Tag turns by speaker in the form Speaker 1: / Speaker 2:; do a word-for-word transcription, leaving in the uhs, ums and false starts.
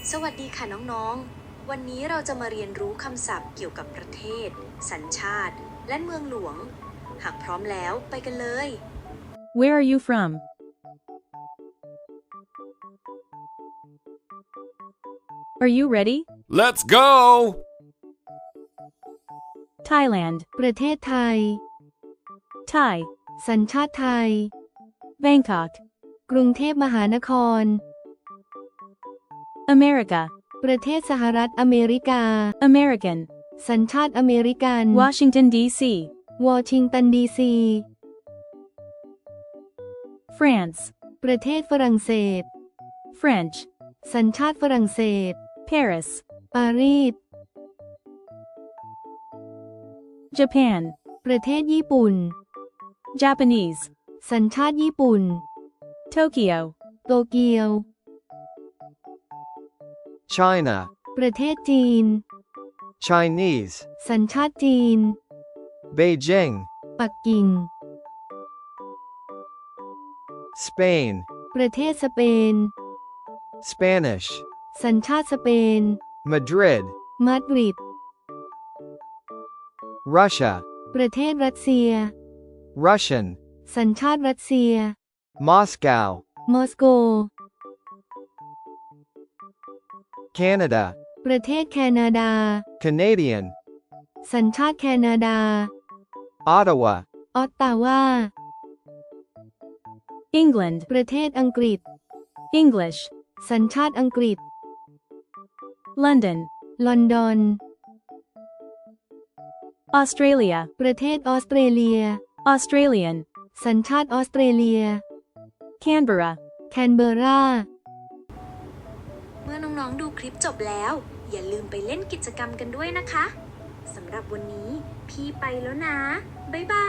Speaker 1: สวัสดีค่ะน้องๆ วันนี้เราจะมาเรียนรู้คำศัพท์เกี่ยวกับประเทศ สัญชาติ และเมืองหลวง หากพร้อมแล้วไปกันเลย
Speaker 2: Where are you from? Are you ready?
Speaker 3: Let's go!
Speaker 2: Thailand,
Speaker 4: ประเทศไทย
Speaker 2: Thai,
Speaker 4: สัญชาติไทย
Speaker 2: Bangkok,
Speaker 4: กรุงเทพมหานคร
Speaker 2: America,
Speaker 4: ประเทศสหรัฐอเมริกา
Speaker 2: American,
Speaker 4: สัญชาติอเมริกัน
Speaker 2: Washington, D C,
Speaker 4: วอชิงตันดีซี
Speaker 2: France,
Speaker 4: ประเทศฝรั่งเศส
Speaker 2: French,
Speaker 4: สัญชาติฝรั่งเศส
Speaker 2: Paris,
Speaker 4: ปารีส
Speaker 2: Japan,
Speaker 4: ประเทศญี่ปุ่น
Speaker 2: Japanese,
Speaker 4: สัญชาติญี่ปุ่น
Speaker 2: Tokyo,
Speaker 4: โตเกียว
Speaker 3: China,
Speaker 4: ประเทศจีน
Speaker 3: Chinese,
Speaker 4: สัญชาติจีน
Speaker 3: Beijing,
Speaker 4: ปักกิ่ง
Speaker 3: Spain,
Speaker 4: ประเทศสเปน
Speaker 3: Spanish,
Speaker 4: สัญชาติสเปน
Speaker 3: Madrid,
Speaker 4: มาดริด
Speaker 3: Russia,
Speaker 4: ประเทศรัสเซีย
Speaker 3: Russian,
Speaker 4: สัญชาติรัสเซีย
Speaker 3: Moscow,
Speaker 4: มอสโก
Speaker 3: Canada,
Speaker 4: ประเทศแคนาดา
Speaker 3: Canadian,
Speaker 4: สัญชาติแคนาดา
Speaker 3: Ottawa,
Speaker 4: ออตตาวา
Speaker 2: England,
Speaker 4: ประเทศอังกฤษ
Speaker 2: English,
Speaker 4: สัญชาติอังกฤษ
Speaker 2: London,
Speaker 4: ลอนดอน
Speaker 2: Australia,
Speaker 4: ประเทศออสเตรเลีย
Speaker 2: Australian,
Speaker 4: สัญชาติออสเตรเลีย
Speaker 2: Canberra.
Speaker 4: แคนเบอร์รา
Speaker 1: เมื่อน้องๆ ดูคลิปจบแล้ว อย่าลืมไปเล่นกิจกรรมกันด้วยนะคะ สำหรับวันนี้พี่ไปแล้วนะ บ๊ายบา